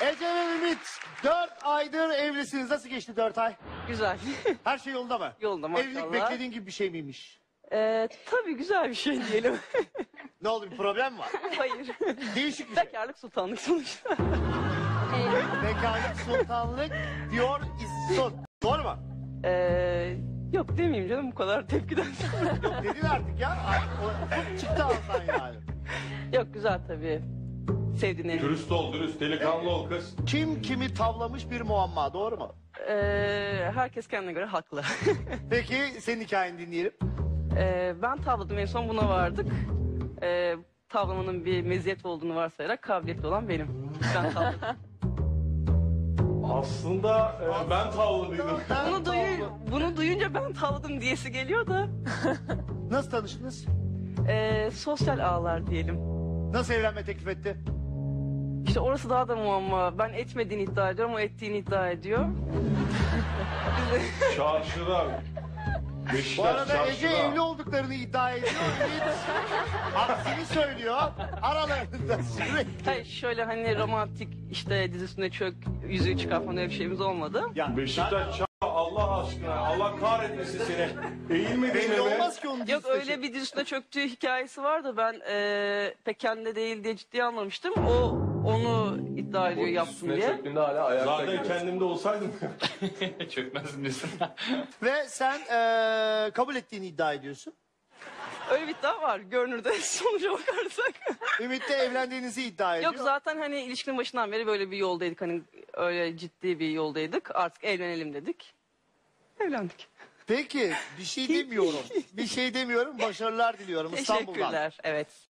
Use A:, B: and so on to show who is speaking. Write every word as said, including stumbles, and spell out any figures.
A: Ece ve Ümit dört aydır evlisiniz. Nasıl geçti dört ay?
B: Güzel.
A: Her şey yolunda mı?
B: Yolunda maşallah.
A: Evlilik beklediğin gibi bir şey miymiş?
B: Ee, tabii güzel bir şey diyelim.
A: Ne oldu, bir problem mi var?
B: Hayır.
A: Değişik bir şey.
B: Bekarlık sultanlık sonuçta.
A: Bekarlık sultanlık diyor İssun. Doğru mu?
B: Ee, yok demeyeyim canım bu kadar tepkiden sonra.
A: Yok dedin artık ya. O, o çıktı ağzından yani.
B: Yok güzel tabii. Sevdiğin
C: Dürüst ol, dürüst, delikanlı ol kız.
A: Kim kimi tavlamış bir muamma, doğru mu?
B: Ee, herkes kendine göre haklı.
A: Peki senin hikayeni dinleyelim.
B: Ee, ben tavladım en son buna vardık. Ee, tavlamanın bir meziyet olduğunu varsayarak kabiliyetli olan benim. Ben tavladım.
C: Aslında e, ben tavladıydım.
B: bunu, duyu, bunu duyunca ben tavladım diyesi geliyor da.
A: Nasıl tanıştınız?
B: Ee, sosyal ağlar diyelim.
A: Nasıl evlenme teklif etti?
B: İşte orası daha da muamma. Ben etmediğini iddia ediyorum, o ettiğini iddia ediyor.
C: Çarşıda. Beşiktaş
A: Bu arada
C: çarşıda.
A: Ece evli olduklarını iddia ediyor. Ümit aksini söylüyor. Aralarında sürekli.
B: Hayır şöyle hani romantik işte dizisine çök, yüzüğü çıkar falan öyle bir şeyimiz olmadı.
A: Ya,
C: Beşiktaş çarşı Allah aşkına. Allah kahretmesin seni. Eğilmedin
A: belli
C: mi?
A: olmaz ki onun
B: Yok
A: dizisi.
B: öyle bir dizisine çöktüğü hikayesi var da ben eee pek kendine değil diye ciddiye almamıştım. O onu iddia ediyor yaptım diye.
D: Çöktüğünde hala ayakta
C: Zaten
D: gidiyor.
C: kendimde olsaydım.
D: Çökmez misin?
A: Ve sen eee, kabul ettiğini iddia ediyorsun.
B: Öyle bir iddia var görünürde sonuca bakarsak.
A: Ümit'le evlendiğinizi iddia ediyor.
B: Yok zaten hani ilişkinin başından beri böyle bir yoldaydık. Hani öyle ciddi bir yoldaydık. Artık evlenelim dedik. Evlendik.
A: Peki bir şey demiyorum. Bir şey demiyorum. Başarılar diliyorum İstanbul'dan.
B: Teşekkürler. Evet.